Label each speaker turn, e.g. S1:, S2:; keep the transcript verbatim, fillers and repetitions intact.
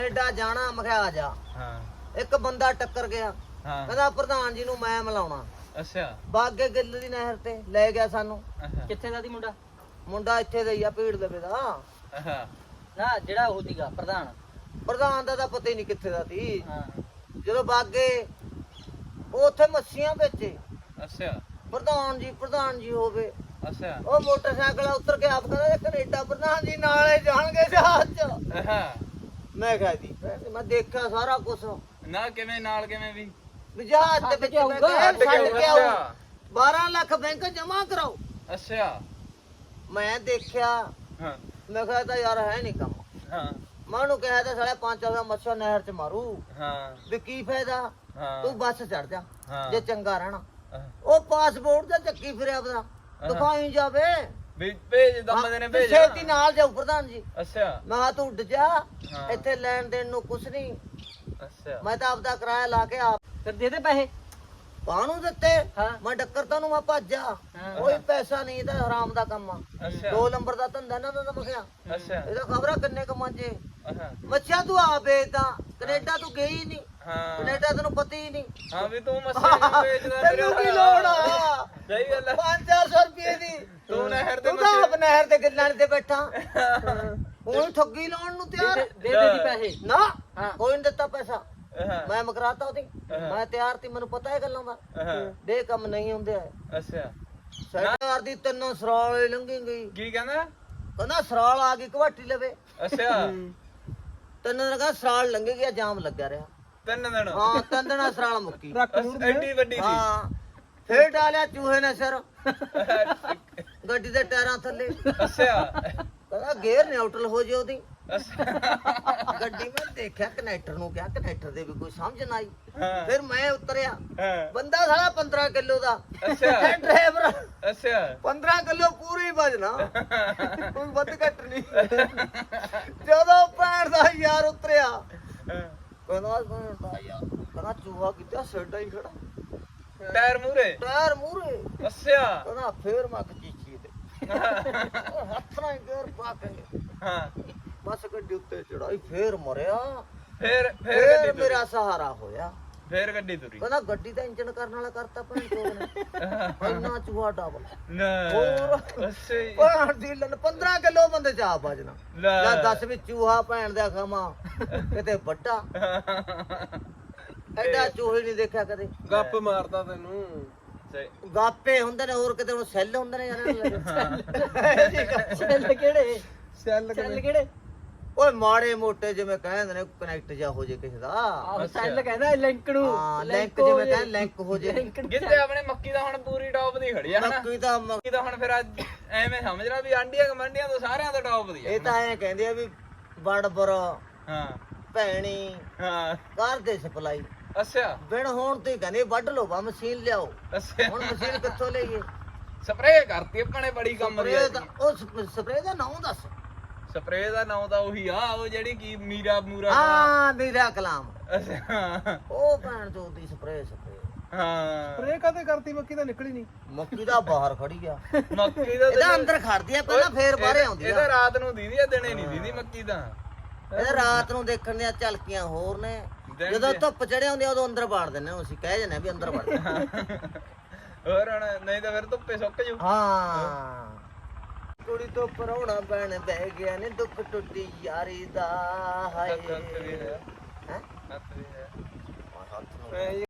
S1: Canada ਜਾਣਾ ਮੈਂ ਕਿਹਾ ਆ ਜਾ।
S2: ਹਾਂ
S1: ਇੱਕ ਬੰਦਾ ਟੱਕਰ ਗਿਆ,
S2: ਹਾਂ
S1: ਕਹਿੰਦਾ ਪ੍ਰਧਾਨ ਜੀ ਨੂੰ ਮੈਂ ਮਿਲਾਉਣਾ।
S2: ਅੱਛਾ
S1: ਬਾਗੇ ਗਿੱਲ ਦੀ ਨਹਿਰ ਤੇ ਲੈ ਗਿਆ ਸਾਨੂੰ।
S2: ਅੱਛਾ
S3: ਕਿੱਥੇ ਦਾ ਦੀ ਮੁੰਡਾ?
S1: ਮੁੰਡਾ ਇੱਥੇ ਦਾ ਹੀ ਆ, ਭੀੜ ਲਵੇ ਦਾ।
S2: ਅੱਛਾ
S3: ਨਾ ਜਿਹੜਾ ਉਹ ਸੀਗਾ ਪ੍ਰਧਾਨ।
S1: ਪ੍ਰਧਾਨ ਦਾ ਤਾਂ ਪਤਾ ਹੀ ਨਹੀਂ ਕਿੱਥੇ ਦਾ ਸੀ।
S3: ਹਾਂ
S1: ਜਦੋਂ ਬਾਗੇ ਉਹ ਉੱਥੇ ਮੱਛੀਆਂ ਵੇਚੇ।
S2: ਅੱਛਾ
S1: ਪ੍ਰਧਾਨ ਜੀ ਪ੍ਰਧਾਨ ਜੀ ਹੋਵੇ।
S2: ਅੱਛਾ
S1: ਉਹ ਮੋਟਰਸਾਈਕਲ ਉੱਤਰ ਕੇ ਆਪ ਕਹਿੰਦਾ ਕੈਨੇਡਾ ਪ੍ਰਧਾਨ ਜੀ ਨਾਲੇ ਜਾਣਗੇ ਜਹਾਜ਼ ਚ।
S2: ਅੱਛਾ
S1: ਮੈਂ ਕਿਹਾ ਜੀ ਮੈਂ ਦੇਖਿਆ ਸਾਰਾ ਕੁਝ
S2: ਨਾ ਕਿਵੇਂ ਨਾਲ ਕਿਵੇਂ ਵੀ
S1: ਵੀ ਜਹਾਜ਼ ਦੇ ਵਿੱਚ ਮੈਂ ਕਿਹਾ ਛੱਡ ਕੇ ਆਊ।
S2: ਅੱਛਾ
S1: ਬਾਰਾਂ ਲੱਖ ਬੈਂਕ ਜਮਾ ਕਰਾਓ।
S2: ਅੱਛਾ
S1: ਮੈਂ ਦੇਖਿਆ,
S2: ਹਾਂ
S1: ਮੈਂ ਕਿਹਾ ਤਾਂ ਯਾਰ ਹੈ ਨਹੀਂ ਕੰਮ।
S2: ਹਾਂ
S1: ਮੈਂ ਉਹਨੂੰ ਕਿਹਾ ਤਾਂ ਸਾਲੇ ਪੰਜ ਹਜ਼ਾਰ ਮੱਛਾ ਨਹਿਰ ਚ ਮਾਰੂ
S2: ਹਾਂ
S1: ਵੀ ਕੀ ਫਾਇਦਾ,
S2: ਹਾਂ
S1: ਤੂੰ ਬੱਸ ਚੜ ਜਾ
S2: ਹਾਂ
S1: ਜੇ ਚੰਗਾ ਰਹਿਣਾ।
S2: ਹਾਂ।
S1: ਉਹ ਪਾਸਪੋਰਟ ਦਾ ਚੱਕੀ ਫਿਰਿਆ ਆਪਣਾ ਦਿਖਾਈ ਜਾਵੇ।
S2: ਵੀ ਭੇਜ ਦਮਦੇ ਨੇ
S1: ਵੀ
S2: ਭੇਜ
S1: ਛੇਤੀ ਨਾਲ ਜਾਊ ਪ੍ਰਧਾਨ ਜੀ।
S2: ਅੱਛਾ
S1: ਮੈਂ ਕਿਹਾ ਤੂੰ ਉੱਡ ਜਾ,
S2: ਹਾਂ।
S1: ਇੱਥੇ ਲੈਣ ਦੇਣ ਨੂੰ ਕੁਛ ਨਹੀਂ।
S2: ਅੱਛਾ
S1: ਮੈਂ ਤਾਂ ਆਪਦਾ ਕਿਰਾਇਆ ਲਾ ਕੇ ਆਪ
S3: ਫਿਰ ਦੇ ਦੇ ਪੈਸੇ।
S1: ਕਾਹਨੂੰ ਦਿੱਤੇ।
S3: ਹਾਂ।
S1: ਮੈਂ ਡੱਕਰ ਤਾਂ ਨੂੰ ਮੈਂ ਭੱਜਾ,
S3: ਹਾਂ।
S1: ਕੋਈ ਪੈਸਾ ਨਹੀਂ, ਇਹਦਾ ਹਰਾਮ ਦਾ ਕੰਮ ਆ।
S2: ਅੱਛਾ
S1: ਦੋ ਨੰਬਰ ਦਾ ਧੰਦਾ ਨਾ ਤਾਂ ਮੈਂ ਕਿਹਾ
S2: ਅੱਛਾ
S1: ਇਹਦਾ ਖਬਰਾਂ ਕਿੰਨੇ ਕਮਾਂਜੇ।
S2: ਅੱਛਾ
S1: ਮੱਛਾ ਤੂੰ ਆ ਵੇਚਦਾ, ਕੈਨੇਡਾ ਤੂੰ ਗਈ ਨਹੀਂ,
S2: ਹਾਂ
S1: ਕੈਨੇਡਾ ਤੈਨੂੰ ਪਤਾ ਹੀ ਨਹੀਂ।
S2: ਹਾਂ ਵੀ ਤੂੰ ਮੱਛੀਆਂ ਨੂੰ ਵੇਚਦਾ
S1: ਤੈਨੂੰ ਕੀ ਲੋੜ ਆ
S2: ਸਹੀ ਗੱਲ ਹੈ
S1: ਪੰਜ ਚਾਰ ਸੌ ਰੁਪਏ ਦੀ।
S2: ਤੂੰ ਨਹਿਰ ਤੇ
S1: ਤੂੰ ਤਾਂ ਆਪ ਨਹਿਰ ਤੇ ਗਿੱਲਾਂ ਤੇ ਬੈਠਾ, ਹੁਣ ਠੱਗੀ ਲਾਉਣ ਨੂੰ
S3: ਦੇ
S1: ਤਿਆਰ।
S3: ਦੇ ਦੇ ਦੇ ਦੀ ਪੈਸੇ।
S1: ਨਾ
S3: ਹਾਂ।
S1: ਕੋਈ ਨਹੀਂ ਦਿੱਤਾ ਪੈਸਾ,
S2: ਹਾਂ
S1: ਮੈਂ ਮਕਰਾਤਾ ਉਹਦੀ।
S2: ਹਾਂ।
S1: ਮੈਂ ਤਿਆਰ ਸੀ, ਮੈਨੂੰ ਪਤਾ ਹੈ ਗੱਲਾਂ ਦਾ।
S2: ਹਾਂ
S1: ਦੇ ਕੰਮ ਨਹੀਂ ਹੁੰਦੇ ਆ।
S2: ਅੱਛਾ
S1: ਸਰਕਾਰ ਦੀ ਤਿੰਨੋਂ ਸਰਾਲ ਲੰਘੀ ਗਈ।
S2: ਕੀ ਕਹਿੰਦਾ
S1: ਕਹਿੰਦਾ ਸਰਾਲ ਆ ਗਈ ਘਵਾਟੀ ਲਵੇ।
S2: ਅੱਛਾ
S1: ਤਿੰਨ ਦਿਨ ਕਹਿੰਦਾ ਸਰਾਲ ਲੰਘੇ ਗਿਆ, ਜਾਮ ਲੱਗਿਆ ਰਿਹਾ।
S2: ਤਿੰਨ ਦਿਨ
S1: ਹਾਂ ਤਿੰਨ ਦਿਨਾਂ ਸਰਾਲ ਮੁੱਕੀ।
S2: ਅੱਛਾ, ਐਡੀ ਵੱਡੀ ਸੀ
S1: ਹਾਂ ਫੇਰ ਡਾਲਿਆ ਚੂਹੇ ਨੇ ਸਿਰ ਗੱਡੀ ਦੇ ਟਾਇਰਾਂ ਥੱਲੇ।
S2: ਅੱਛਾ
S1: ਕਹਿੰਦਾ ਗੇਅਰ ਨਿਊਟਰਲ ਹੋ ਜੇ ਉਹਦੀ।
S2: ਅੱਛਾ
S1: ਗੱਡੀ ਮੈਂ ਦੇਖਿਆ, ਕਨੈਕਟਰ ਨੂੰ ਕਿਹਾ, ਕਨੈਕਟਰ ਦੇ ਵੀ ਕੋਈ ਸਮਝ ਨਾ ਆਈ।
S2: ਹਾਂ
S1: ਫਿਰ ਮੈਂ ਉਤਰਿਆ,
S2: ਹਾਂ
S1: ਬੰਦਾ ਸਾਲਾ ਪੰਦਰਾਂ ਕਿਲੋ ਦਾ
S2: ਅੱਛਾ
S1: ਡਰਾਈਵਰ।
S2: ਅੱਛਾ
S1: ਪੰਦਰਾਂ ਕਿਲੋ ਪੂਰੀ ਵਜਣਾ, ਕੋਈ ਵੱਧ ਘੱਟ ਨਹੀਂ। ਜਦੋਂ ਭੈਣ ਦਾ ਯਾਰ ਉਤਰਿਆ,
S2: ਹਾਂ।
S1: ਕਹਿੰਦਾ ਭੈਣ ਦਾ ਯਾਰ, ਕਹਿੰਦਾ ਚੂਹਾ ਕਿਤੇ ਸਿੱਧਾ ਹੀ ਖੜਾ,
S2: ਟਾਇਰ ਮੂਰੇ
S1: ਟਾਇਰ ਮੂਰੇ।
S2: ਅੱਛਾ
S1: ਕਹਿੰਦਾ ਫੇਰ ਮੈਂ ਚੀਚੀ ਤੇ ਹੱਥ ਨਾਲ ਗੇਰ ਪਾ ਕੇ
S2: ਹਾਂ
S1: ਬਸ ਗੱਡੀ ਉੱਤੇ ਚੜਾਈ, ਫੇਰ ਮਰਿਆ।
S2: ਫੇਰ ਫੇਰ
S1: ਫੇਰ
S2: ਗੱਡੀ ਤੁਰੀ
S1: ਮੇਰਾ ਸਹਾਰਾ ਹੋਇਆ।
S2: ਫੇਰ ਗੱਡੀ ਤੁਰੀ
S1: ਕਹਿੰਦਾ ਗੱਡੀ ਦਾ ਇੰਜਨ ਕਰਨ ਵਾਲਾ ਕਰਤਾ ਭੈਣ ਚੋਦ ਨੇ। ਇੰਨਾ ਚੂਹਾ ਡਬਲ।
S2: ਨਾ
S1: ਹੋਰ।
S2: ਅੱਛਾ ਜੀ
S1: ਭੈਣ ਦੀ ਲੰਨ ਪੰਦਰਾਂ ਕਿਲੋ ਬੰਦੇ ਚ ਆ ਵੱਜਣਾ।
S2: ਲੈ
S1: ਲੈ ਦੱਸ ਵੀ ਚੂਹਾ ਭੈਣ ਦਾ ਖਾਮਾ ਕਿਤੇ ਵੱਡਾ, ਐਡਾ ਚੂਹੇ ਨਹੀਂ ਦੇਖਿਆ ਕਦੇ।
S2: ਗੱਪ ਮਾਰਦਾ ਤੈਨੂੰ ਸਹੀ
S1: ਗਾਪੇ ਹੁੰਦੇ ਨੇ, ਹੋਰ ਕਿਤੇ ਹੁਣ ਸੈੱਲ ਹੁੰਦੇ ਨੇ ਯਾਰ।
S3: ਚੱਲ ਕਿਹੜੇ
S1: ਸੈੱਲ
S3: ਚੱਲ ਕਿਹੜੇ?
S1: ਓਏ ਮਾੜੇ ਮੋਟੇ ਜਿਵੇਂ ਕਹਿੰਦੇ ਨੇ, ਕਨੈਕਟ ਜਾ ਹੋ ਜੇ ਕਿਸੇ ਦਾ।
S3: ਆਹ ਚੱਲ ਕਹਿੰਦਾ ਲਿੰਕ ਨੂੰ।
S1: ਹਾਂ ਲਿੰਕ ਜਿਵੇਂ ਕਹਿੰਦੇ ਲਿੰਕ ਹੋ ਜੇ।
S2: ਗਿੱਤੇ ਆਪਣੇ ਮੱਕੀ ਦਾ ਹੁਣ ਪੂਰੀ ਟੌਪ ਦੀ ਖੜੀ ਆ ਹਨਾ
S1: ਮੱਕੀ ਦਾ ਮ-
S2: ਮੱਕੀ ਦਾ ਹੁਣ ਫਿਰ ਅੱਜ ਐਵੇਂ ਸਮਝ ਲੈ ਵੀ ਆਂਡੀਆਂ ਕਮਾਂਡੀਆਂ ਤੋਂ ਸਾਰਿਆਂ ਤੋਂ ਟੌਪ ਦੀ ਆ
S1: ਇਹ ਤਾਂ ਐਂ ਕਹਿੰਦੇ ਆ ਵੀ ਬੜਬਰ
S2: ਹਾਂ
S1: ਭੈਣੀ
S2: ਹਾਂ
S1: ਕਰਦੇ ਸਪਲਾਈ
S2: ਅੱਛਾ
S1: ਬਿਨ ਹੋਣ ਤੇ ਕਹਿੰਦੇ ਵੱਢ ਲਓ ਵਾ ਮਸ਼ੀਨ ਲਿਆਓ।
S2: ਅੱਛਾ
S1: ਹੁਣ ਮਸ਼ੀਨ ਕਿੱਥੋਂ ਲਈਏ?
S2: ਸਪਰੇਅ ਕਰਤੀ ਆਪਾਂ ਨੇ ਬੜੀ ਕੰਮ ਦੀ
S1: ਸਪਰੇਅ ਦਾ ਉਹ ਸਪਰੇਅ ਦਾ ਨਾਮ ਦੱਸ।
S2: ਸਪਰੇਅ ਦਾ ਨਾਂ ਤਾਂ ਉਹੀ ਆ, ਉਹ ਜਿਹੜੀ ਕੀ ਮੀਰਾ ਮੂਰਾ
S1: ਹਾਂ ਮੇਰਾ ਕਲਾਮ,
S2: ਅੱਛਾ
S1: ਉਹ ਭੈਣ ਚੋਦ ਦੀ ਸਪਰੇਅ ਸਪਰੇਅ
S2: ਹਾਂ
S3: ਸਪਰੇ ਕਦੇ ਕਰਤੀ ਮੱਕੀ ਤਾਂ ਨਿਕਲੀ ਨਹੀਂ।
S1: ਮੱਕੀ ਦਾ ਬਾਹਰ ਖੜੀ ਆ,
S2: ਮੱਕੀ ਦਾ
S1: ਇਹਦਾ ਅੰਦਰ ਖੜਦੀ ਆ ਪਹਿਲਾਂ, ਫੇਰ ਬਾਹਰੇ ਆਉਂਦੀ
S2: ਇਹਦਾ
S1: ਆ।
S2: ਰਾਤ ਨੂੰ ਦੀਦੀ ਆ, ਦਿਨੇ ਨਹੀਂ ਦੀਦੀ ਮੱਕੀ ਤਾਂ
S1: ਇਹਦਾ ਰਾਤ ਨੂੰ ਦੇਖਣ ਦੀਆਂ ਝਲਕੀਆਂ ਹੋਰ ਨੇ,
S2: ਦਿਨ
S1: ਜਦੋਂ
S2: ਚ-
S1: ਧੁੱਪ ਚੜਿਆ ਹੁੰਦੀ ਆ ਉਦੋਂ ਅੰਦਰ ਬਾੜ ਦਿੰਦੇ ਹਾਂ, ਅਸੀਂ ਕਹਿ ਜੰਨੇ ਵੀ ਅੰਦਰ ਵੜ ਜਾ।
S2: ਹੋਰ ਹੁਣ ਨਹੀਂ ਤਾਂ ਫਿਰ ਧੁੱਪੇ ਸੁੱਕ ਜੂ
S1: ਹਾਂ ਕੁੜੀ ਤੋਂ ਪਰੌਣਾ ਪੈਣ ਬਹਿ ਗਿਆ ਨੇ, ਦੁੱਖ ਟੁੱਟੀ ਯਾਰੀ ਦਾ ਹਾਏ।
S2: ਹੱਥ ਵੀ ਹੈ
S1: ਹੈਂ?
S2: ਹੱਥ ਵੀ ਹੈ
S1: ਹੱਥ ਨੂੰ